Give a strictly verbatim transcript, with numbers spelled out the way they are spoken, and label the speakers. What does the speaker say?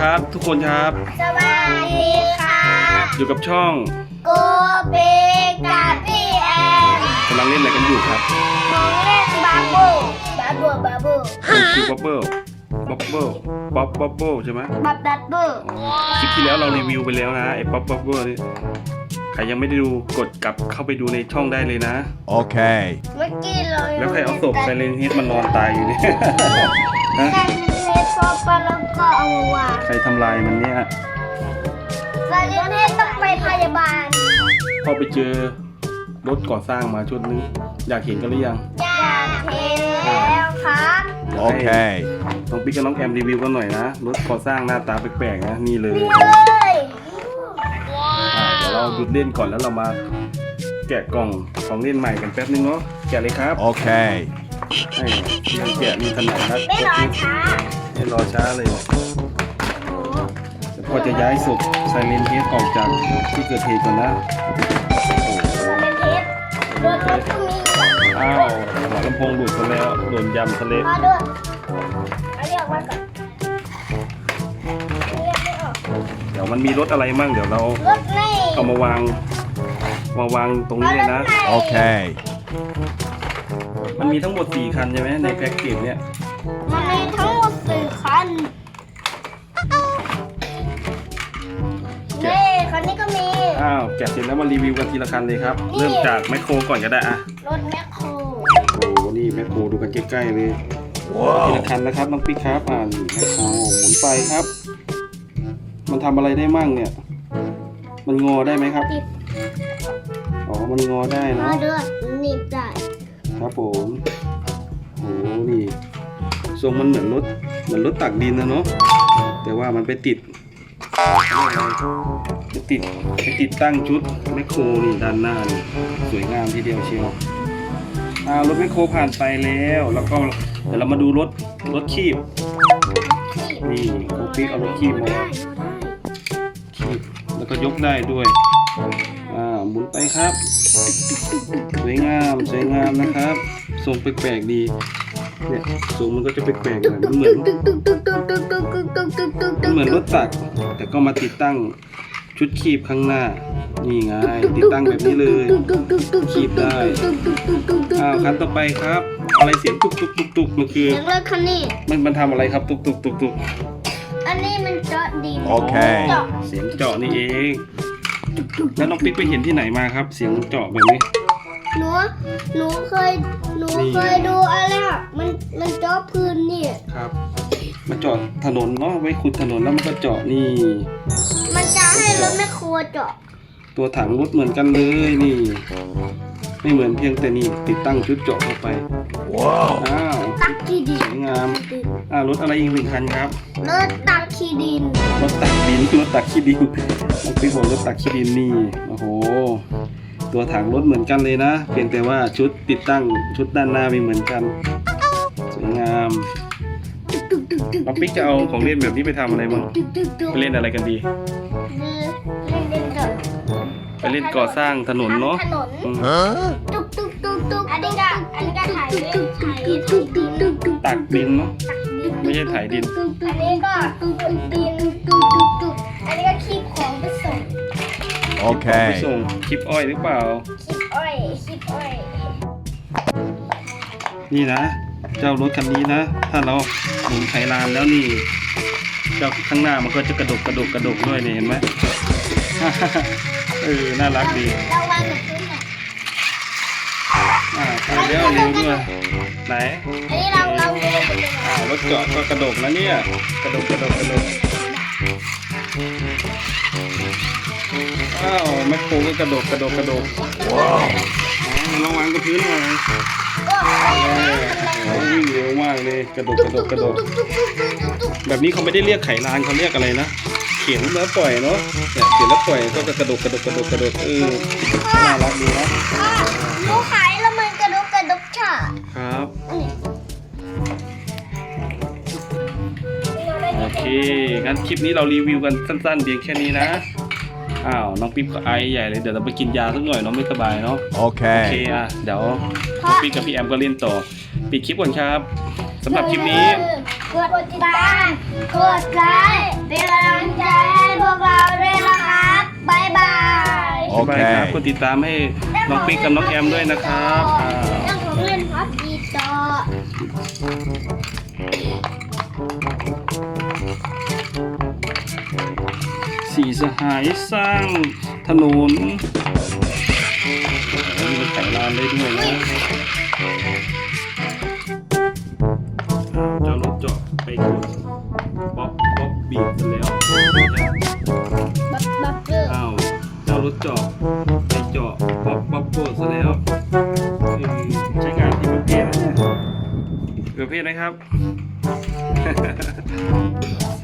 Speaker 1: ครับทุกคนครับ
Speaker 2: สวัสดีครับ
Speaker 1: อยู่กับช่อง
Speaker 2: โกเบกับพี่แอม
Speaker 1: กำลังเล่นอะไรกันอยู่ครับ
Speaker 2: ของเล่นบาบูบาบูบาบู
Speaker 1: คือบ๊อบเบิ้ลบ๊อบเบิ้ลบ๊อบบ๊อบเบิ้ลใช่ไหม
Speaker 2: บับบับบู
Speaker 1: คลิปที่แล้วเรารีวิวไปแล้วนะไอ้บ๊อบบ๊อบเบิ้ลนี่ใครยังไม่ได้ดูกดกลับเข้าไปดูในช่องได้เลยนะ
Speaker 3: Okay.
Speaker 2: เมื่อกี้เรา
Speaker 1: แล้วใครเอาศพไซเลนเฮดมันนอนตายอยู่เนี่ย ฮะ
Speaker 2: แค่เล็กพอปะแล้วก็เอามาวาง
Speaker 1: ใครทำลายมันเนี่ย
Speaker 2: ซาเลียนให้ต้องไปพยาบาล
Speaker 1: พอไปเจอรถก่อสร้างมาชุดนึงอยากเห็นกันหรือยัง
Speaker 2: อยากเห็นแล้วครับ
Speaker 3: Okay.
Speaker 1: น้องปิ๊กกับน้องแอมรีวิวกันหน่อยนะรถก่อสร้างหน้าตาแปลกๆนะนี่เลย
Speaker 2: เลย
Speaker 1: อ่าเดี๋ยวเราหยุดเล่นก่อนแล้วเรามาแกะกล่องของเล่นใหม่กันแป๊บนึงเนาะแกะเลยครับ
Speaker 3: Okay.
Speaker 1: ให้ยังแกะมีขนาดนัด
Speaker 2: ไม่รอช้า
Speaker 1: ไม่รอช้าเลยเดี๋ยวพอจะย้ายศพไซเลนเฮดออกจากที่เกิดเหตุก่อนนะโอ้โห
Speaker 2: เป็นเทปรถรถก็มี
Speaker 1: อ้าวหัวลำโพงหลุดซะแล้วโดนยำทะเล
Speaker 2: มาด้วยเอาเรียกมาก่อนเรียกไม่ออก
Speaker 1: เดี๋ยวมันมีรถอะไรมั่งเดี๋ยวเรา
Speaker 2: รถนี่
Speaker 1: เอามาวางมาวางตรงนี้เลยนะ
Speaker 3: Okay.
Speaker 1: มันมีทั้งหมดสี่คันใช่ไหมในแพ็กเกจเนี่ย
Speaker 2: มันมีทั้งหมดสี่คันเน่คันนี้ก็มี
Speaker 1: อ้าวแกะเสร็จแล้วมารีวิวกันทีละคันเลยครับ
Speaker 2: นี่
Speaker 1: เริ่มจากแมคโครก่อนก็ได้อะ
Speaker 2: รถแมคโคร
Speaker 1: โอ้โหนี่แมคโครดูกันใกล้ๆเลยทีละคันนะครับน้องปิ๊กครับอ่านี่แมคโครหมุนไปครับ มันทำอะไรได้มั่งเนี่ย มันงอได้ไหมครับ
Speaker 2: ติด
Speaker 1: อ๋อมันงอได้
Speaker 2: มา
Speaker 1: เนาะ
Speaker 2: ด้วยหนีบได้
Speaker 1: ครับผมโอ้โหนี่ทรงมันเหมือนรถเหมือนรถตักดินนะเนาะแต่ว่ามันไปติดไปติดไปติดตั้งชุดแมคโครนี่ด้านหน้านี่สวยงามทีเดียวเชียวอ่ารถแมคโครผ่านไปแล้วแล้วก็เดี๋ยวเรามาดูรถรถคีบนี่เขาปิ๊กเอารถคีบมา
Speaker 2: ได้
Speaker 1: คีบแล้วก็ยกได้ด้วยอ่าหมุนไปครับสวยงามสวยงามนะครับทรงแปลกๆดีเนี่ยทรงมันก็จะแปลกๆหน่อยมันเหมือน
Speaker 2: ตึกตึกตึกตึกตึกตึกตึกตึกตึกตึกตึก
Speaker 1: มันเหมือนรถตักแต่ก็มาติดตั้งชุดคีบข้างหน้านี่ไงติดตั้งแบบนี้เลยคีบได้อ้าวคันต่อไปครับ อะไรเสียงตุกตุกตุกตุกมันคือ
Speaker 2: เสียงรถคันนี้
Speaker 1: มันมันทำอะไรครับตุกตุกตุกตุก
Speaker 2: อันนี้มันเจาะดิน
Speaker 3: โอเค
Speaker 2: เจาะ
Speaker 1: เสียงเจาะนี่เองแล้วน้องปิ๊กไปเห็นที่ไหนมาครับ เสียงเจาะแบบนี้
Speaker 2: หนูหนูเคยหนู
Speaker 1: นี่
Speaker 2: เคยดูอะไรอ่ะมันมันเจาะพื้นนี่
Speaker 1: ครับมาเจาะถนนเนาะไว้ขุดถนนแล้วมันก็เจาะนี่
Speaker 2: มันจะให้รถแมคโครเจาะ
Speaker 1: ตัวถังรถเหมือนกันเลยนี่ ไม่เหมือนเพียงแต่นี่ติดตั้งชุดเจาะเข้าไป
Speaker 3: Wow.
Speaker 1: อ้าว
Speaker 2: ตักขี้ดิ
Speaker 1: ส
Speaker 2: น
Speaker 1: วยงามอ่ารถอะไรอีกหนึ่งคันครับ
Speaker 2: รถตักขี้ดิน
Speaker 1: รถตักดินรถตักขี้ดินน้องปิ๊กบอกรถตักขี้ดินนี่โอ้โหตัวถังรถเหมือนกันเลยนะเพียงแต่ว่าชุดติดตั้งชุดด้านหน้าไม่เหมือนกันสวยงามน้องปิ๊กจะเอาของเล่นแบบนี้ไปทำอะไรบ้าง
Speaker 2: ตึกตึกตึก
Speaker 1: ไปเล่นอะไรกันดี
Speaker 2: เล่นเล่นเถอะ
Speaker 1: ไปเล่นก่อสร้างถนนเนาะ
Speaker 2: ถนน
Speaker 1: อืม
Speaker 3: Huh?
Speaker 2: ตุกตุกตุกตุกอันนี้ก็อันนี้ก็ถ่ายตุกตุกตุกตุกตุกตุก
Speaker 1: ตักดินเนาะไม่ใช่ถ่ายดิน
Speaker 2: อันนี้ก็ตุกตุกดินตุกตุกตุกอันนี้ก็คีบของไปส่ง
Speaker 1: ไป
Speaker 3: Okay.
Speaker 1: ส่งคลิปอ้อยหรือเปล่า
Speaker 2: คีบอ้อยคีบอ้อย
Speaker 1: นี่นะ เจ้ารถคันนี้นะ ถ้าเราหมุนไขลานแล้วนี่ เจ้าข้างหน้ามันก็จะกระดกกระดกกระดกด้วยนี่เห็นไหม เออน่ารักดี
Speaker 2: เราวางแบบนี้น่ะ
Speaker 1: อ่าไปแล้วเร็วด้วยไหน
Speaker 2: อันนี้เราเราดูเป็นยังไง
Speaker 1: อ่ารถจอดก็กระดกนะเนี่ยกระดกกระดกกระดกอ้าวแมคโครก็กระดกกระดกกระดก
Speaker 3: Wow.
Speaker 1: อ่าลองวางกับพื้นหน่อย
Speaker 2: ก็ไป
Speaker 1: เอ
Speaker 2: นะ
Speaker 1: อโอ้วิ่งเร็วมากเลยกระดกกระดกกระดก แบบนี้เขาไม่ได้เรียกไขลานเขาเรียกอะไรนะเขียนแล้วปล่อยเนาะเนี่ยเขียนแล้วปล่อยก็จะกระดกกระดกกระดกกระดกเออน่ารักดีนะ
Speaker 2: หนูขายแล้วมันกระดกกระดกฉะ
Speaker 1: ครับโอเคงั้นคลิปนี้เรารีวิวกันสั้นๆเพียงแค่นี้นะอ้าวน้องปิ๊บก็ไอใหญ่เลยเดี๋ยวเราไปกินยาสักหน่อยน้องไม่สบายเนาะโอเค
Speaker 3: Okay.
Speaker 1: อ่ะเดี๋ยวน้องปิ๊บกับพี่แอมก็เล่นต่อปิดคลิปก่อนครับสำหรับคลิปนี้
Speaker 2: กดติดตามกดไลค์เป็นกำลัง
Speaker 1: บ๊ายบายครับ
Speaker 3: โอเค
Speaker 1: กดติดตามให้น้องปิ๊กกับน้องแอมด้วยนะครับอ่า
Speaker 2: เรื่องของเล่นพับดีต่อ
Speaker 1: สีสหายสร้างถนนมีรถไถลานได้ด้วยนะอ้าวเจ้ารถเจาะไปกดป๊อปป๊อปบีบกันแล้ว
Speaker 2: บับบับเบอร์
Speaker 1: อ้าวเจ้ารถเจาะไปเจาะป๊อปป๊อปโกดซะแล้วเออใช้งานที่ประเภทนะเนี่ยประเภทไหมครับ